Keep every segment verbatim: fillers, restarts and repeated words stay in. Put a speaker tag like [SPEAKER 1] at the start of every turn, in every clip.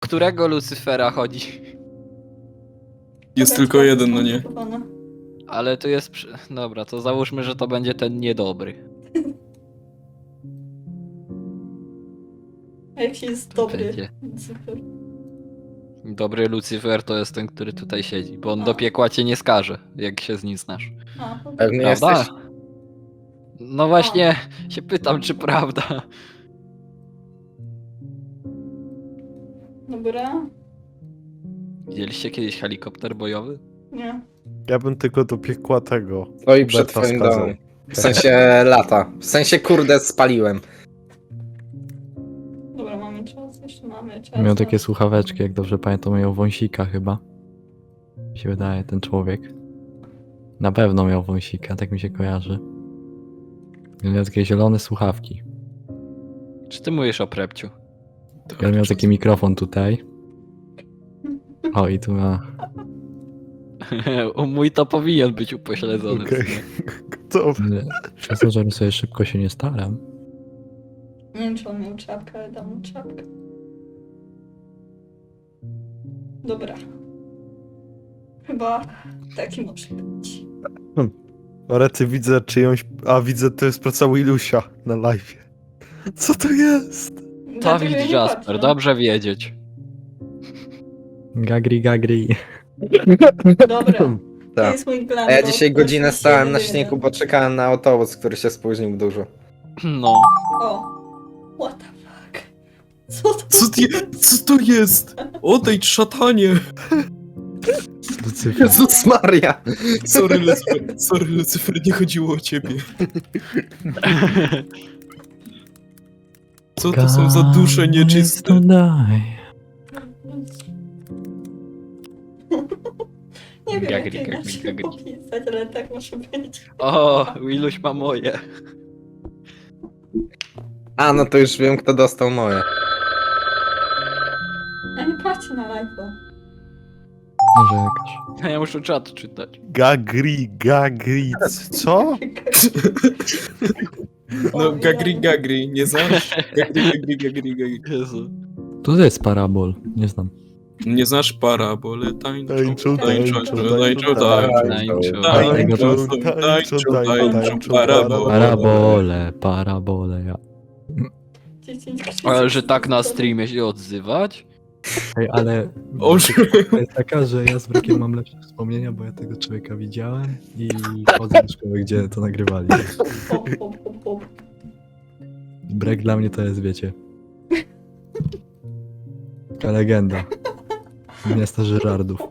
[SPEAKER 1] którego Lucyfera chodzi?
[SPEAKER 2] Jest tylko jeden, no nie.
[SPEAKER 1] Ale to jest... przy- Dobra, to załóżmy, że to będzie ten niedobry.
[SPEAKER 3] A jak się jest dobry
[SPEAKER 1] Będzie.
[SPEAKER 3] Lucyfer?
[SPEAKER 1] Dobry Lucyfer to jest ten, który tutaj siedzi, bo on
[SPEAKER 3] A.
[SPEAKER 1] do piekła cię nie skaże, jak się z nim znasz.
[SPEAKER 3] A, okej.
[SPEAKER 4] Pewnie
[SPEAKER 1] Prawda?
[SPEAKER 4] jesteś?
[SPEAKER 1] No właśnie się pytam, czy prawda.
[SPEAKER 3] Dobra.
[SPEAKER 1] Widzieliście kiedyś helikopter bojowy?
[SPEAKER 3] Nie.
[SPEAKER 5] Ja bym tylko do piekła tego.
[SPEAKER 4] Stoi przed
[SPEAKER 5] Huberta
[SPEAKER 4] twoim
[SPEAKER 5] skazał.
[SPEAKER 4] domem. W sensie lata. W sensie kurde spaliłem.
[SPEAKER 3] Dobra, mamy czas, jeszcze mamy czas.
[SPEAKER 6] Miał takie słuchaweczki, jak dobrze pamiętam, miał wąsika chyba. Mi się wydaje, ten człowiek. Na pewno miał wąsika, tak mi się kojarzy. Miał takie zielone słuchawki.
[SPEAKER 1] Czy ty mówisz o Prepciu?
[SPEAKER 6] Ja miał taki mikrofon tutaj. O, i tu ma...
[SPEAKER 1] U mój to powinien być upośledzony. w
[SPEAKER 5] Okej.
[SPEAKER 1] sumie.
[SPEAKER 5] To
[SPEAKER 6] ale Przez to, że sobie szybko się nie staram.
[SPEAKER 3] Nie wiem, czy on miał czapkę, ale dam mu czapkę. Dobra. Chyba taki może być.
[SPEAKER 5] Orety widzę czyjąś. A widzę, to jest praca Willusia na live. Co to jest?
[SPEAKER 3] Dlatego
[SPEAKER 1] Dawid
[SPEAKER 3] ja nie
[SPEAKER 1] Jasper,
[SPEAKER 3] patrzę.
[SPEAKER 1] dobrze wiedzieć.
[SPEAKER 6] Gagri, gagri.
[SPEAKER 3] Dobra. To
[SPEAKER 4] Tak.
[SPEAKER 3] jest mój plan.
[SPEAKER 4] A ja
[SPEAKER 3] bo
[SPEAKER 4] dzisiaj
[SPEAKER 3] ktoś
[SPEAKER 4] godzinę
[SPEAKER 3] mi się
[SPEAKER 4] stałem na
[SPEAKER 3] wydaje.
[SPEAKER 4] śniegu, bo czekałem na autobus, który się spóźnił dużo.
[SPEAKER 1] No.
[SPEAKER 3] O. What the fuck? Co to
[SPEAKER 2] Co, ty, co to jest? Odejdź, szatanie!
[SPEAKER 6] Lucyfer.
[SPEAKER 4] Jezus Maria!
[SPEAKER 2] Sorry, Lucyfer, sorry, Lucyfer, nie chodziło o ciebie. Co to są za dusze nieczyste?
[SPEAKER 6] Daj.
[SPEAKER 3] Nie wiem,
[SPEAKER 1] Gagri,
[SPEAKER 3] jak
[SPEAKER 1] gagri,
[SPEAKER 3] inaczej
[SPEAKER 1] gagri.
[SPEAKER 3] opisać, ale tak może być.
[SPEAKER 1] O, Willuś ma moje.
[SPEAKER 4] A, no to już wiem, kto dostał moje.
[SPEAKER 3] A nie patrzcie na live'a.
[SPEAKER 6] Narzekasz.
[SPEAKER 1] Ja muszę czat czytać.
[SPEAKER 5] Gagri, gagri. Co?
[SPEAKER 2] No, gagri, gagri, nie znasz? Gagri, gagri, gagri, gagri.
[SPEAKER 1] Jezu.
[SPEAKER 6] To jest parabol, nie znam.
[SPEAKER 2] Nie znasz parabole, tańczą,
[SPEAKER 5] Tańczą,
[SPEAKER 2] tańczą,
[SPEAKER 5] tańczą,
[SPEAKER 2] tańczą,
[SPEAKER 5] tańczą,
[SPEAKER 2] tańczą,
[SPEAKER 1] tańczą.
[SPEAKER 2] tańczą,
[SPEAKER 5] Tańczą,
[SPEAKER 2] tańczą, tańczą,
[SPEAKER 5] tańczą,
[SPEAKER 2] parabole.
[SPEAKER 6] Parabole, parabole, ja.
[SPEAKER 3] dziesięć
[SPEAKER 1] Ale że tak na streamie się odzywać?
[SPEAKER 6] Ej, ale
[SPEAKER 2] O,
[SPEAKER 6] to jest taka, że ja z Brekiem mam lepsze wspomnienia, bo ja tego człowieka widziałem i chodzę do szkoły, gdzie to nagrywali.
[SPEAKER 3] Hop, hop, hop, hop.
[SPEAKER 6] Brek dla mnie to jest, wiecie, taka legenda miasta Żyrardów.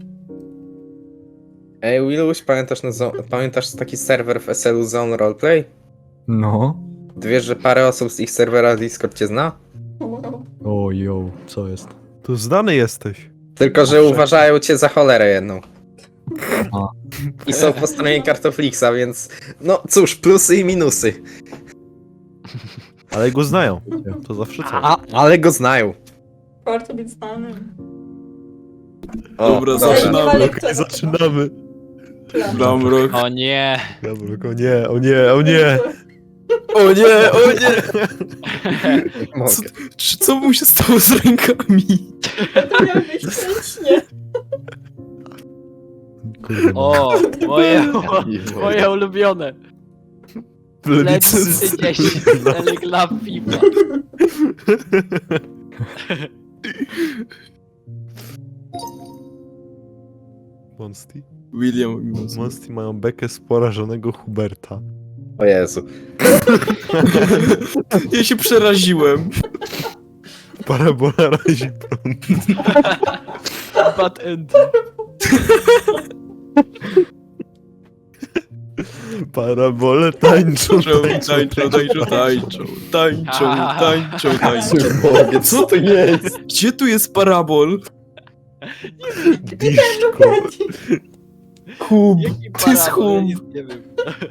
[SPEAKER 4] Ej, Willuś, pamiętasz, na zo- pamiętasz taki serwer w S L U Zone Roleplay?
[SPEAKER 6] No.
[SPEAKER 4] Ty wiesz, że parę osób z ich serwera Discord cię zna?
[SPEAKER 6] O, jo, co jest?
[SPEAKER 5] Tu znany jesteś.
[SPEAKER 4] Tylko, że
[SPEAKER 5] Owszem.
[SPEAKER 4] uważają cię za cholerę jedną.
[SPEAKER 6] A.
[SPEAKER 4] I są po stronie Kartoflixa, więc no cóż, plusy i minusy.
[SPEAKER 5] Ale go znają. To zawsze co?
[SPEAKER 4] A, ale go znają.
[SPEAKER 3] Warto być znanym.
[SPEAKER 4] O,
[SPEAKER 2] Dobra,
[SPEAKER 3] Zaczynamy.
[SPEAKER 2] zaczynamy.
[SPEAKER 5] Okej, zaczynamy.
[SPEAKER 3] Plan.
[SPEAKER 2] Bramrok.
[SPEAKER 1] O nie.
[SPEAKER 5] Dobra, o nie, o nie, o nie.
[SPEAKER 2] O nie, o nie!
[SPEAKER 4] Mogę.
[SPEAKER 2] Co, czy, co mu się stało z rękami?
[SPEAKER 3] To miał być wcześniej.
[SPEAKER 6] Kurde, no.
[SPEAKER 1] O, moje, moje ulubione.
[SPEAKER 5] Plebiscyt.
[SPEAKER 1] Plebiscyt dziesięć. Telegraf FIFA.
[SPEAKER 5] Monsty?
[SPEAKER 2] William i Monsty.
[SPEAKER 5] Monsty mają bekę z porażonego Huberta.
[SPEAKER 4] O Jezu.
[SPEAKER 2] Ja się przeraziłem.
[SPEAKER 5] Parabola razi prąd.
[SPEAKER 1] Bad end.
[SPEAKER 5] Parabole tańczą,
[SPEAKER 2] Tańczą, tańczą, tańczą, tańczą, tańczą, tańczą, tańczą.
[SPEAKER 4] Mogę, co to jest?
[SPEAKER 2] Gdzie tu jest parabol?
[SPEAKER 5] Diszko.
[SPEAKER 2] Hub,
[SPEAKER 1] Jaki
[SPEAKER 2] to jest
[SPEAKER 1] parabol? Ja
[SPEAKER 2] hub.
[SPEAKER 1] nic nie wiem.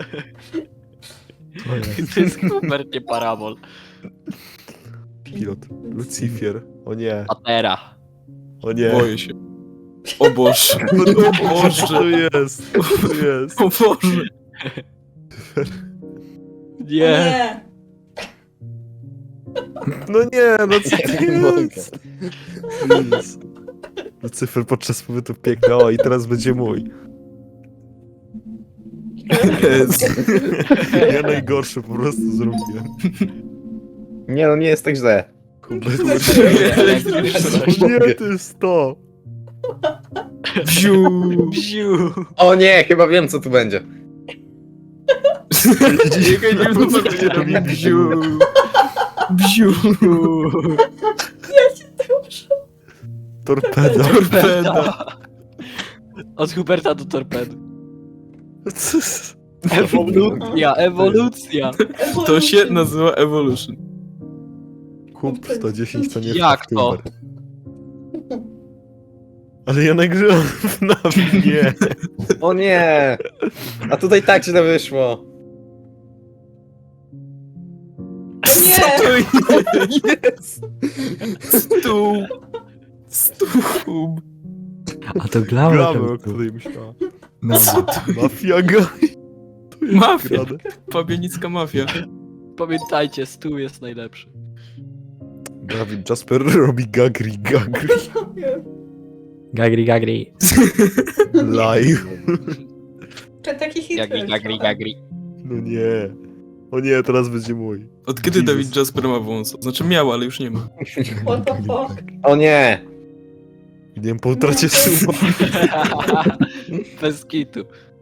[SPEAKER 6] To jest.
[SPEAKER 1] To jest Hubert, nie parabol.
[SPEAKER 5] Pilot. Lucifer. O nie,
[SPEAKER 1] Patera.
[SPEAKER 5] o nie.
[SPEAKER 2] Boję się. O Boże, o
[SPEAKER 5] Co
[SPEAKER 2] Boże,
[SPEAKER 5] to jest? Co to jest?
[SPEAKER 2] o Boże.
[SPEAKER 1] Nie.
[SPEAKER 3] Nie.
[SPEAKER 5] No nie, no co to
[SPEAKER 4] Nie mogę.
[SPEAKER 5] jest? Please. Lucyfer podczas pobytu w piekle, o i teraz będzie mój.
[SPEAKER 2] Jezu.
[SPEAKER 5] Ja najgorszy po prostu zrobiłem.
[SPEAKER 4] Nie no, nie jest tak źle.
[SPEAKER 5] Kurde,
[SPEAKER 1] Elektryczność.
[SPEAKER 5] nie, to jest to.
[SPEAKER 2] Bziu.
[SPEAKER 1] Bziu.
[SPEAKER 4] O nie, chyba wiem co tu będzie.
[SPEAKER 2] Czekaj, nie wiem, co będzie robił. Bziu. Bziu.
[SPEAKER 5] Torpeda.
[SPEAKER 2] Torpeda.
[SPEAKER 1] Od Huberta do torpedy.
[SPEAKER 5] Co jest?
[SPEAKER 1] Ewolucja, ewolucja.
[SPEAKER 2] To się nazywa Evolution.
[SPEAKER 5] Kup sto dziesięć to nie
[SPEAKER 1] Jak to?
[SPEAKER 5] Huber. Ale ja nagrywam na mnie.
[SPEAKER 4] O nie! A tutaj tak źle wyszło.
[SPEAKER 3] Nie!
[SPEAKER 2] To jest. Stół. Stół.
[SPEAKER 6] A to Glamour.
[SPEAKER 5] Gramy, o
[SPEAKER 6] tam-
[SPEAKER 5] której myślała.
[SPEAKER 6] No,
[SPEAKER 5] Mafia Guy. To jest
[SPEAKER 2] Mafia.
[SPEAKER 5] grane.
[SPEAKER 2] Pabienicka mafia.
[SPEAKER 1] Pamiętajcie, stół jest najlepszy.
[SPEAKER 5] Dawid Jasper robi gagri gagri
[SPEAKER 6] Gagri, gagri.
[SPEAKER 5] live.
[SPEAKER 3] Czy taki hit
[SPEAKER 1] Gagri,
[SPEAKER 3] był
[SPEAKER 1] gagri,
[SPEAKER 3] trochę.
[SPEAKER 1] gagri.
[SPEAKER 5] No nie. O nie, teraz będzie mój.
[SPEAKER 2] Od kiedy
[SPEAKER 5] Jesus.
[SPEAKER 2] Dawid Jasper ma wąsa? Znaczy miał, ale już nie ma.
[SPEAKER 3] What the fuck?
[SPEAKER 4] O nie!
[SPEAKER 5] Nie wiem, po utracie suba.
[SPEAKER 1] Bez kitu.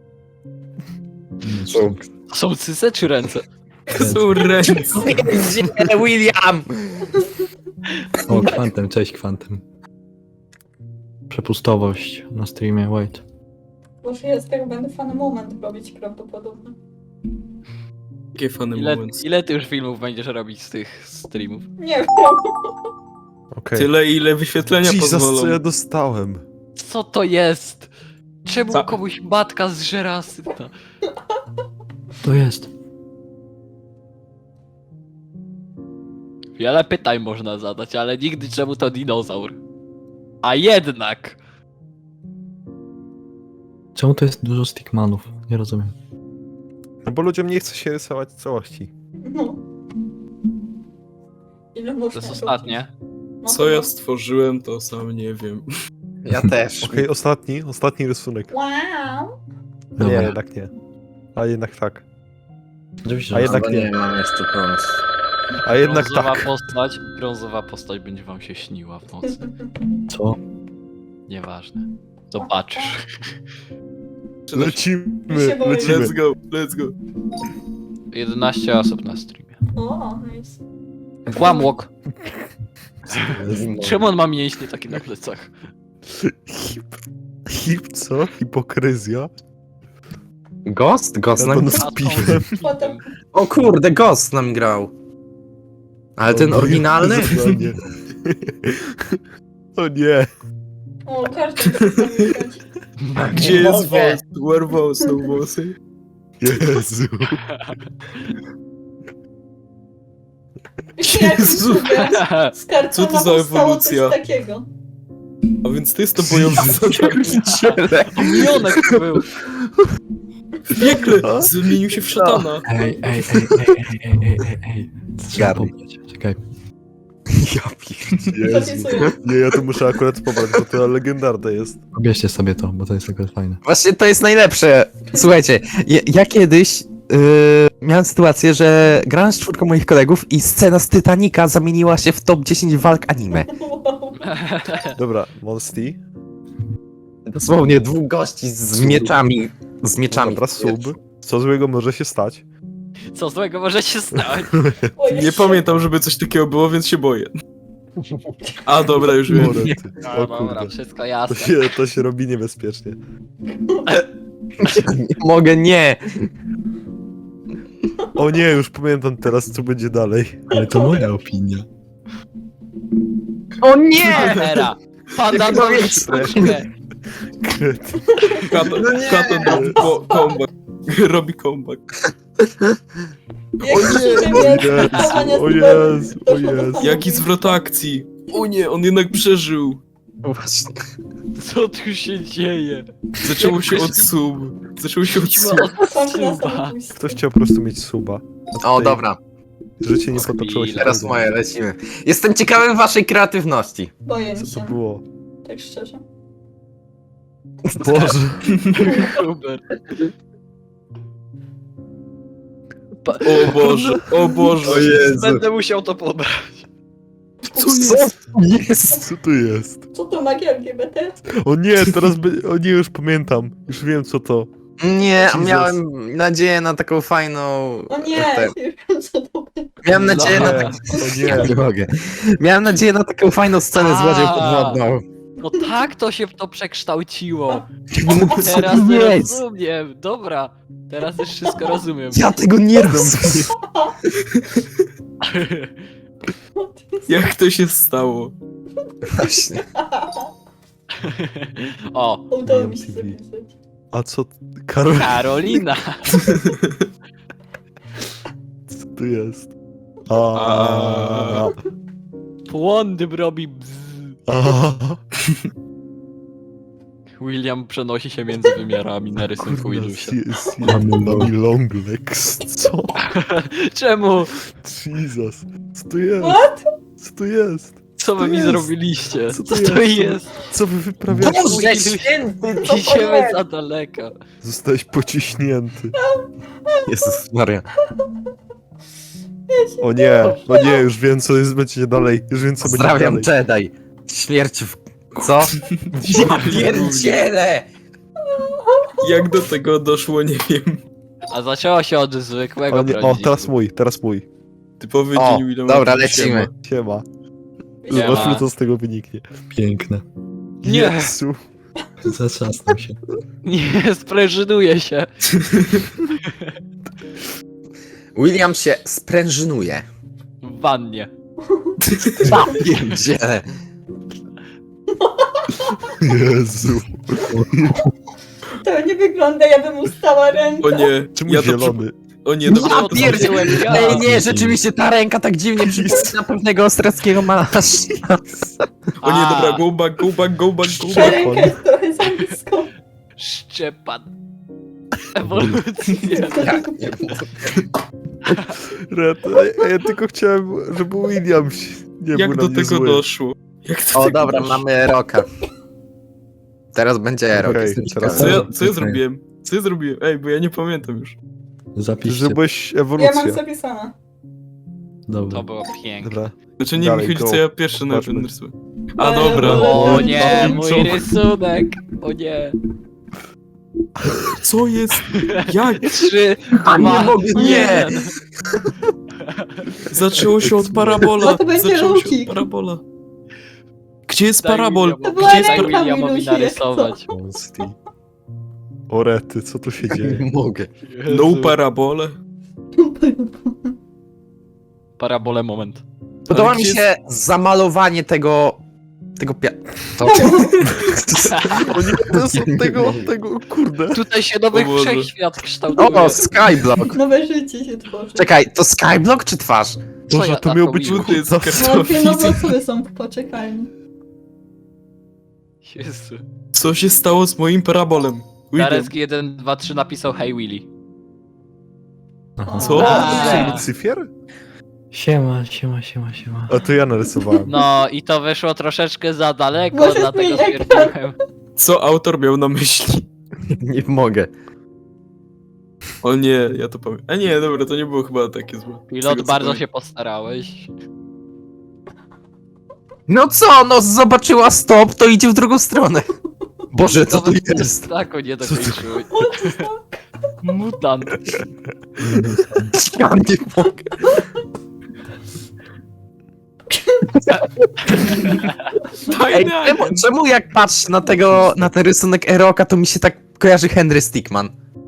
[SPEAKER 4] Co?
[SPEAKER 1] To są cyce czy ręce?
[SPEAKER 2] To są ręce.
[SPEAKER 4] Gdzie William?
[SPEAKER 6] O, Kwantem, cześć Kwantem. Przepustowość na streamie, wait.
[SPEAKER 3] Może ja z tego będę fan moment robić prawdopodobnie.
[SPEAKER 2] Jakie fany
[SPEAKER 1] Ile,
[SPEAKER 2] moment.
[SPEAKER 1] ile ty już filmów będziesz robić z tych streamów?
[SPEAKER 3] Nie wiem.
[SPEAKER 5] Okej.
[SPEAKER 2] Tyle, ile wyświetlenia
[SPEAKER 5] Jesus, co ja
[SPEAKER 2] pozwolą.
[SPEAKER 5] dostałem?
[SPEAKER 1] Co to jest? Czemu
[SPEAKER 2] Co?
[SPEAKER 1] komuś matka zżera asyta?
[SPEAKER 6] To jest.
[SPEAKER 1] Wiele pytań można zadać, ale nigdy czemu to dinozaur. A jednak!
[SPEAKER 6] Czemu to jest dużo stickmanów? Nie rozumiem.
[SPEAKER 5] No bo ludziom nie chce się rysować całości.
[SPEAKER 3] No. Ile można
[SPEAKER 1] To jest
[SPEAKER 3] robić?
[SPEAKER 1] ostatnie.
[SPEAKER 3] No
[SPEAKER 2] Co
[SPEAKER 3] to-
[SPEAKER 2] ja stworzyłem, to sam nie wiem.
[SPEAKER 4] Ja też.
[SPEAKER 5] Okej, ostatni, ostatni rysunek.
[SPEAKER 3] Wow.
[SPEAKER 5] Nie,
[SPEAKER 6] Dobra.
[SPEAKER 5] jednak nie. A jednak tak.
[SPEAKER 6] Oczywiście,
[SPEAKER 5] A
[SPEAKER 6] że
[SPEAKER 5] jednak
[SPEAKER 4] Chyba
[SPEAKER 5] nie.
[SPEAKER 4] nie mam jeszcze pomysł.
[SPEAKER 5] A jednak
[SPEAKER 1] brązowa
[SPEAKER 5] tak.
[SPEAKER 1] postać, brązowa postać będzie wam się śniła w nocy.
[SPEAKER 6] Co?
[SPEAKER 1] Nieważne. Zobaczysz.
[SPEAKER 5] Lecimy,
[SPEAKER 3] się boję.
[SPEAKER 5] lecimy.
[SPEAKER 2] Let's go, let's go.
[SPEAKER 1] jedenaście osób na streamie.
[SPEAKER 3] O, nice.
[SPEAKER 1] Włamłok. Czemu on ma mięśnie takie na plecach?
[SPEAKER 5] Hip, hip co? Hipokryzja?
[SPEAKER 4] Ghost? Ghost
[SPEAKER 5] Ja
[SPEAKER 4] nam...
[SPEAKER 5] to z piwem.
[SPEAKER 3] Potem...
[SPEAKER 4] O kurde, Ghost nam grał. Ale ten
[SPEAKER 5] O,
[SPEAKER 4] oryginalny?
[SPEAKER 5] O nie. O nie.
[SPEAKER 3] O, każdy chce pamiętać.
[SPEAKER 2] Gdzie jest
[SPEAKER 4] mogę.
[SPEAKER 2] wąs? Where wąs, no włosy?
[SPEAKER 5] Jezu.
[SPEAKER 3] Jak
[SPEAKER 2] Jezu.
[SPEAKER 3] z kartona
[SPEAKER 2] Co to za
[SPEAKER 3] powstało
[SPEAKER 2] ewolucja?
[SPEAKER 3] coś takiego.
[SPEAKER 2] A więc to jest to bojące.
[SPEAKER 1] Milionek to był.
[SPEAKER 2] W piekle zmienił się w szatana.
[SPEAKER 6] Ej, ej, ej, ej, ej, ej, ej, ej, ej. Trzeba
[SPEAKER 4] Garni.
[SPEAKER 6] pobrać. Czekaj.
[SPEAKER 5] Ja pier... Jezu.
[SPEAKER 3] Zapisuję.
[SPEAKER 5] Nie, ja to muszę akurat pobrać, bo to legendarne jest.
[SPEAKER 6] Pobierzcie sobie to, bo to jest akurat fajne.
[SPEAKER 4] Właśnie to jest najlepsze. Słuchajcie, ja, ja kiedyś yy, miałem sytuację, że grałem z czwórką moich kolegów i scena z Titanica zamieniła się w top dziesięć walk anime.
[SPEAKER 3] Wow.
[SPEAKER 5] Dobra, Monsty.
[SPEAKER 4] Dosłownie dwóch gości z mieczami. Z mieczami.
[SPEAKER 5] Dobra, sub. Co złego może się stać?
[SPEAKER 1] Co złego może się stać?
[SPEAKER 3] O,
[SPEAKER 2] Nie
[SPEAKER 3] jeszcze-
[SPEAKER 2] pamiętam, żeby coś takiego było, więc się boję. A dobra, już wiem.
[SPEAKER 5] Morety.
[SPEAKER 1] No
[SPEAKER 5] O
[SPEAKER 1] dobra,
[SPEAKER 5] kurde.
[SPEAKER 1] wszystko
[SPEAKER 5] To
[SPEAKER 1] jasne.
[SPEAKER 5] się, to się robi niebezpiecznie.
[SPEAKER 4] Nie mogę, nie.
[SPEAKER 5] O nie, już pamiętam teraz, co będzie dalej.
[SPEAKER 6] Ale to moja opinia.
[SPEAKER 4] O nie!
[SPEAKER 1] Era. Panda
[SPEAKER 4] Jak
[SPEAKER 1] to
[SPEAKER 4] powiedz-
[SPEAKER 1] jest sztuczne.
[SPEAKER 5] Kret.
[SPEAKER 2] Katon,
[SPEAKER 4] No nie!
[SPEAKER 2] Katon robi po- comeback. Robi comeback.
[SPEAKER 3] Jak krzyczy wielkie
[SPEAKER 5] Jezu,
[SPEAKER 3] zachowania
[SPEAKER 5] o
[SPEAKER 3] z
[SPEAKER 5] Jezu, o
[SPEAKER 3] doszło do
[SPEAKER 5] Jezu.
[SPEAKER 3] samobójstwa.
[SPEAKER 2] Jaki zwrot akcji. O nie, on jednak przeżył.
[SPEAKER 4] Właśnie.
[SPEAKER 1] Co tu się dzieje?
[SPEAKER 2] Zaczęło się od sub. Zaczęło się od sub.
[SPEAKER 1] Od
[SPEAKER 3] Sam na
[SPEAKER 1] suba.
[SPEAKER 3] samobójstwo.
[SPEAKER 5] Ktoś chciał po prostu mieć suba. A
[SPEAKER 4] O,
[SPEAKER 5] tutaj
[SPEAKER 4] dobra.
[SPEAKER 5] Życie nie potoczyło się.
[SPEAKER 1] Chwila.
[SPEAKER 4] Teraz moje, lecimy. Jestem ciekawy waszej kreatywności.
[SPEAKER 3] Boję
[SPEAKER 5] Co to
[SPEAKER 3] się,
[SPEAKER 5] było?
[SPEAKER 3] tak szczerze.
[SPEAKER 5] Boże.
[SPEAKER 1] Hubert.
[SPEAKER 2] O Boże, o Boże.
[SPEAKER 5] O Jezu.
[SPEAKER 1] Będę musiał to pobrać.
[SPEAKER 2] Co jest?
[SPEAKER 4] Jest!
[SPEAKER 5] Co tu jest?
[SPEAKER 3] Co to magia L G B T?
[SPEAKER 5] O nie, teraz by... O nie, już pamiętam. Już wiem co to.
[SPEAKER 4] Nie, a
[SPEAKER 5] Jesus.
[SPEAKER 4] miałem nadzieję na taką fajną...
[SPEAKER 3] O nie,
[SPEAKER 4] Te-
[SPEAKER 3] już wiem co to będzie.
[SPEAKER 4] Miałem nadzieję na
[SPEAKER 5] Nie,
[SPEAKER 4] taką...
[SPEAKER 5] o
[SPEAKER 4] Ja
[SPEAKER 5] nie.
[SPEAKER 4] nie mogę. Miałem nadzieję na taką fajną scenę z łodzią
[SPEAKER 1] A.
[SPEAKER 4] podwodną.
[SPEAKER 1] No tak to się to przekształciło.
[SPEAKER 4] Nie mogę
[SPEAKER 1] Teraz
[SPEAKER 4] sobie
[SPEAKER 1] to
[SPEAKER 4] jest.
[SPEAKER 1] rozumiem. Dobra, teraz już wszystko rozumiem.
[SPEAKER 4] Ja tego nie rozumiem.
[SPEAKER 2] Jak to się stało?
[SPEAKER 4] Właśnie.
[SPEAKER 1] O,
[SPEAKER 3] Udało mi się
[SPEAKER 5] T V.
[SPEAKER 3] zapisać.
[SPEAKER 5] A co... Karol...
[SPEAKER 1] Karolina.
[SPEAKER 5] Co tu jest? A.
[SPEAKER 1] Płondym robi bzz.
[SPEAKER 5] A.
[SPEAKER 1] William przenosi się między wymiarami na rysunku
[SPEAKER 5] Kurna,
[SPEAKER 1] Ilusia.
[SPEAKER 5] si- si- Mamy long legs. Co?
[SPEAKER 1] Czemu?
[SPEAKER 5] Jesus. Co tu jest?
[SPEAKER 3] What?
[SPEAKER 5] Co tu jest?
[SPEAKER 1] Co wy
[SPEAKER 5] to
[SPEAKER 1] mi
[SPEAKER 5] jest?
[SPEAKER 1] zrobiliście?
[SPEAKER 5] Co
[SPEAKER 1] Co
[SPEAKER 5] to
[SPEAKER 1] to
[SPEAKER 5] jest?
[SPEAKER 1] jest?
[SPEAKER 5] Co wy wyprawiacie?
[SPEAKER 4] Boże święty, co to
[SPEAKER 1] Idziemy
[SPEAKER 4] jest?
[SPEAKER 1] za daleko.
[SPEAKER 5] Zostałeś pociśnięty.
[SPEAKER 4] Jezus Maria.
[SPEAKER 5] O nie, o nie, już wiem co jest, będzie dalej. Już wiem co będzie
[SPEAKER 4] Pozdrawiam
[SPEAKER 5] dalej.
[SPEAKER 4] Jedi. Śmierć w... Co? Ja pierdzielę!
[SPEAKER 2] Jak do tego doszło, nie wiem.
[SPEAKER 1] A zaczęło się od zwykłego
[SPEAKER 5] O, nie, o
[SPEAKER 1] prawdziwego.
[SPEAKER 5] teraz mój, teraz mój.
[SPEAKER 2] Typowy
[SPEAKER 4] O,
[SPEAKER 2] dzień Williama.
[SPEAKER 4] dobra,
[SPEAKER 2] Siema.
[SPEAKER 4] lecimy.
[SPEAKER 5] Siema.
[SPEAKER 1] Siema.
[SPEAKER 5] Zobaczmy co z tego wyniknie.
[SPEAKER 6] Piękne.
[SPEAKER 1] Nie.
[SPEAKER 5] Jezu.
[SPEAKER 6] Zatrzasnął się.
[SPEAKER 1] Nie, sprężynuje się.
[SPEAKER 4] William się sprężynuje.
[SPEAKER 1] W wannie.
[SPEAKER 4] Ja pierdzielę.
[SPEAKER 5] Jezu.
[SPEAKER 3] To nie wygląda, ja bym ustała rękę.
[SPEAKER 2] O nie,
[SPEAKER 5] Czemu
[SPEAKER 2] ja to przy...
[SPEAKER 5] zielony?
[SPEAKER 2] O nie, dobra.
[SPEAKER 4] Ja
[SPEAKER 1] to
[SPEAKER 4] pierdzielę.
[SPEAKER 1] zrobiłem ja.
[SPEAKER 4] Ej nie, rzeczywiście ta ręka tak dziwnie przypomina pewnego austriackiego malarza.
[SPEAKER 2] O nie,
[SPEAKER 1] A.
[SPEAKER 2] dobra, go back, go back, go back, go
[SPEAKER 3] Ta
[SPEAKER 2] back.
[SPEAKER 3] ręka jest trochę za blisko.
[SPEAKER 1] Szczepan. Ewolucja.
[SPEAKER 4] Ja nie mogę.
[SPEAKER 5] Red, a ja tylko chciałem, żeby William się nie
[SPEAKER 2] Jak
[SPEAKER 5] był
[SPEAKER 2] do
[SPEAKER 5] na mnie
[SPEAKER 2] tego
[SPEAKER 5] zły.
[SPEAKER 2] doszło? Jak do
[SPEAKER 4] O
[SPEAKER 2] tego
[SPEAKER 4] dobra,
[SPEAKER 2] doszło?
[SPEAKER 4] mamy Roka. Teraz będzie Rok.
[SPEAKER 5] Okej,
[SPEAKER 4] jestem
[SPEAKER 5] teraz-
[SPEAKER 2] Co
[SPEAKER 4] ciekawy.
[SPEAKER 2] ja, co ja zrobiłem? Co ja zrobiłem? Ej, bo ja nie pamiętam już.
[SPEAKER 6] Zapiszcie.
[SPEAKER 5] Żebyś
[SPEAKER 3] Ja
[SPEAKER 5] ewolucję.
[SPEAKER 3] mam zapisane.
[SPEAKER 6] Dobra.
[SPEAKER 1] To było piękne.
[SPEAKER 5] Dobra.
[SPEAKER 2] Znaczy nie
[SPEAKER 5] Dalej,
[SPEAKER 2] mi chodzi,
[SPEAKER 5] go.
[SPEAKER 2] co ja pierwszy na
[SPEAKER 5] Zobaczmy.
[SPEAKER 2] narysuję. A
[SPEAKER 3] Eee,
[SPEAKER 2] dobra.
[SPEAKER 1] O nie,
[SPEAKER 2] Tańczą.
[SPEAKER 1] mój rysunek. O nie.
[SPEAKER 2] Co jest? Jak?
[SPEAKER 1] Trzy,
[SPEAKER 4] A nie
[SPEAKER 1] dwa,
[SPEAKER 4] mogę, nie!
[SPEAKER 1] jeden.
[SPEAKER 2] Zaczęło się od parabola.
[SPEAKER 3] No to będzie
[SPEAKER 2] Zaczęło się
[SPEAKER 3] Lukik.
[SPEAKER 2] od parabola. Gdzie jest
[SPEAKER 1] Daj
[SPEAKER 2] parabol?
[SPEAKER 1] Williamowi-
[SPEAKER 3] To była
[SPEAKER 2] Gdzie jest
[SPEAKER 1] Daj
[SPEAKER 3] ręka
[SPEAKER 2] parabol?
[SPEAKER 1] Williamowi
[SPEAKER 3] Milusi, jak
[SPEAKER 1] narysować.
[SPEAKER 5] O rety, co tu się dzieje?
[SPEAKER 4] Nie mogę.
[SPEAKER 2] No parabole.
[SPEAKER 1] Parabole moment.
[SPEAKER 4] Podoba
[SPEAKER 2] Ale
[SPEAKER 4] mi
[SPEAKER 2] gdzie
[SPEAKER 4] się zamalowanie tego... tego pia... To...
[SPEAKER 5] O nie, to jest od tego, od tego, kurde.
[SPEAKER 1] Tutaj się nowy
[SPEAKER 2] O Boże.
[SPEAKER 1] wszechświat kształtuje.
[SPEAKER 4] O, Skyblock!
[SPEAKER 3] Nowe życie się tworzy.
[SPEAKER 4] Czekaj, to Skyblock czy twarz?
[SPEAKER 5] Boże,
[SPEAKER 1] ja
[SPEAKER 5] to
[SPEAKER 1] tak
[SPEAKER 5] miał być
[SPEAKER 1] robiłem?
[SPEAKER 2] Tu jest
[SPEAKER 5] kurde.
[SPEAKER 3] Chłopie, nowe
[SPEAKER 2] kartofli.
[SPEAKER 3] osoby są w poczekalni.
[SPEAKER 1] Jezu.
[SPEAKER 2] Co się stało z moim parabolem? William.
[SPEAKER 1] Darecki jeden, dwa, trzy napisał Hey Willy.
[SPEAKER 6] Aha.
[SPEAKER 2] Co?
[SPEAKER 1] A.
[SPEAKER 5] Lucyfier?
[SPEAKER 6] Siema, siema, siema, siema.
[SPEAKER 5] A to ja narysowałem.
[SPEAKER 1] No i to wyszło troszeczkę za daleko,
[SPEAKER 3] Może
[SPEAKER 1] dlatego
[SPEAKER 3] zmień ekran.
[SPEAKER 1] stwierdziłem.
[SPEAKER 2] Co autor miał na myśli?
[SPEAKER 4] Nie mogę.
[SPEAKER 2] O nie, ja to pamiętam. A nie, dobra, to nie było chyba takie złe. Z
[SPEAKER 1] Pilot,
[SPEAKER 2] tego, co
[SPEAKER 1] bardzo
[SPEAKER 2] pamiętam.
[SPEAKER 1] się postarałeś.
[SPEAKER 4] No co, no zobaczyła stop, to idzie w drugą stronę. Boże, co tu jest?
[SPEAKER 1] Tak, o nie dokończyły.
[SPEAKER 3] What the fuck?
[SPEAKER 1] Mutant.
[SPEAKER 4] Ja nie mogę. Ej,
[SPEAKER 2] Fajny
[SPEAKER 4] czemu,
[SPEAKER 2] agent.
[SPEAKER 4] czemu jak patrzę na tego, na ten rysunek Eroka, to mi się tak kojarzy Henry Stickman?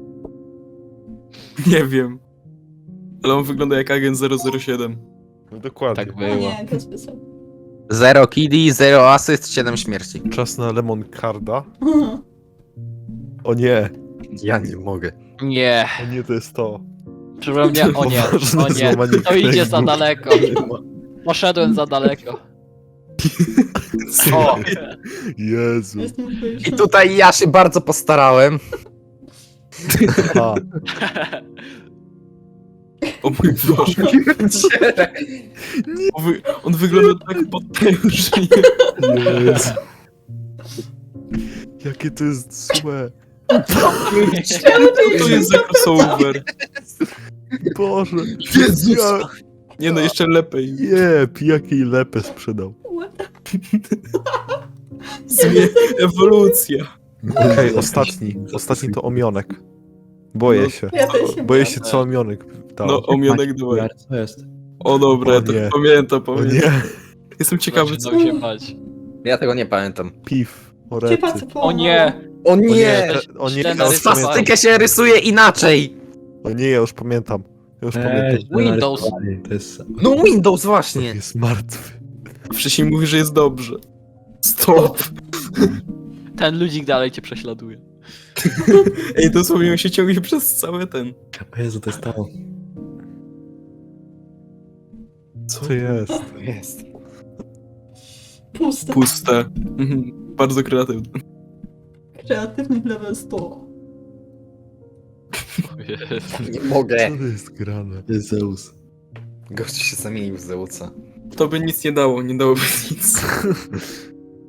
[SPEAKER 2] Nie wiem. Ale on wygląda jak agent zero zero siedem.
[SPEAKER 5] No dokładnie.
[SPEAKER 1] Tak
[SPEAKER 3] O
[SPEAKER 1] było.
[SPEAKER 3] nie, to spisał.
[SPEAKER 4] Zero killi, zero asyst, siedem śmierci.
[SPEAKER 5] Czas na lemon carda. O nie,
[SPEAKER 4] Ja nie mogę.
[SPEAKER 1] Nie.
[SPEAKER 5] o nie, to jest to.
[SPEAKER 1] Przepraszam, nie, o nie, o nie.
[SPEAKER 5] Złamanie
[SPEAKER 1] To idzie za
[SPEAKER 5] kręgu.
[SPEAKER 1] daleko. Poszedłem za daleko. O,
[SPEAKER 5] Jezu.
[SPEAKER 3] Jestem
[SPEAKER 4] I
[SPEAKER 3] wkurzona.
[SPEAKER 4] tutaj ja się bardzo postarałem.
[SPEAKER 5] A,
[SPEAKER 2] O mój Boże. On, wy... on wygląda tak potężnie.
[SPEAKER 5] Jezu. Jakie to jest złe.
[SPEAKER 3] Czemu
[SPEAKER 2] Co to jest za crossover?
[SPEAKER 5] Boże.
[SPEAKER 2] Jezus.
[SPEAKER 5] Ja,
[SPEAKER 2] Nie no, jeszcze lepiej.
[SPEAKER 5] jeb, jakiej lepę sprzedał.
[SPEAKER 3] What?
[SPEAKER 2] Zmie... Ewolucja.
[SPEAKER 5] Okej, ostatni. Ostatni to omionek. Boję
[SPEAKER 2] No,
[SPEAKER 5] się.
[SPEAKER 3] Ja też się
[SPEAKER 5] Boję
[SPEAKER 3] boję.
[SPEAKER 5] się, co omionek dał.
[SPEAKER 2] No, omionek dawaj.
[SPEAKER 6] Co jest?
[SPEAKER 2] O dobra,
[SPEAKER 5] O
[SPEAKER 2] ja to
[SPEAKER 5] nie.
[SPEAKER 2] pamiętam,
[SPEAKER 5] O
[SPEAKER 2] pamiętam.
[SPEAKER 5] nie.
[SPEAKER 2] Jestem ciekawy, co...
[SPEAKER 1] Zaczynał się bać.
[SPEAKER 7] Ja tego nie pamiętam.
[SPEAKER 5] Piw.
[SPEAKER 3] Chyba
[SPEAKER 5] Orety.
[SPEAKER 3] co po...
[SPEAKER 1] O nie!
[SPEAKER 7] O
[SPEAKER 5] O nie,
[SPEAKER 7] nie!
[SPEAKER 5] o nie,
[SPEAKER 1] Źle
[SPEAKER 5] ja już
[SPEAKER 1] narysowałem.
[SPEAKER 5] pamiętam.
[SPEAKER 4] Swastykę się rysuje inaczej!
[SPEAKER 5] O nie, ja już pamiętam. Ja już pamiętam.
[SPEAKER 1] Windows.
[SPEAKER 6] To jest...
[SPEAKER 4] No Windows właśnie!
[SPEAKER 5] Jest martwy.
[SPEAKER 2] Wcześniej mówi, że jest dobrze. Stop.
[SPEAKER 1] Ten ludzik dalej cię prześladuje.
[SPEAKER 2] Ej, dosłownie on się ciągnie przez cały ten...
[SPEAKER 6] O Jezu, to jest to.
[SPEAKER 5] Co to jest?
[SPEAKER 7] Jest.
[SPEAKER 3] Puste.
[SPEAKER 2] Puste. Mhm. Bardzo kreatywne.
[SPEAKER 3] Kreatywny level sto.
[SPEAKER 1] O Jezu.
[SPEAKER 7] Nie mogę.
[SPEAKER 5] Co to jest grane?
[SPEAKER 6] To jest Zeus.
[SPEAKER 7] Gościu się zamienił w Zeusa.
[SPEAKER 2] To by nic nie dało, nie dałoby nic.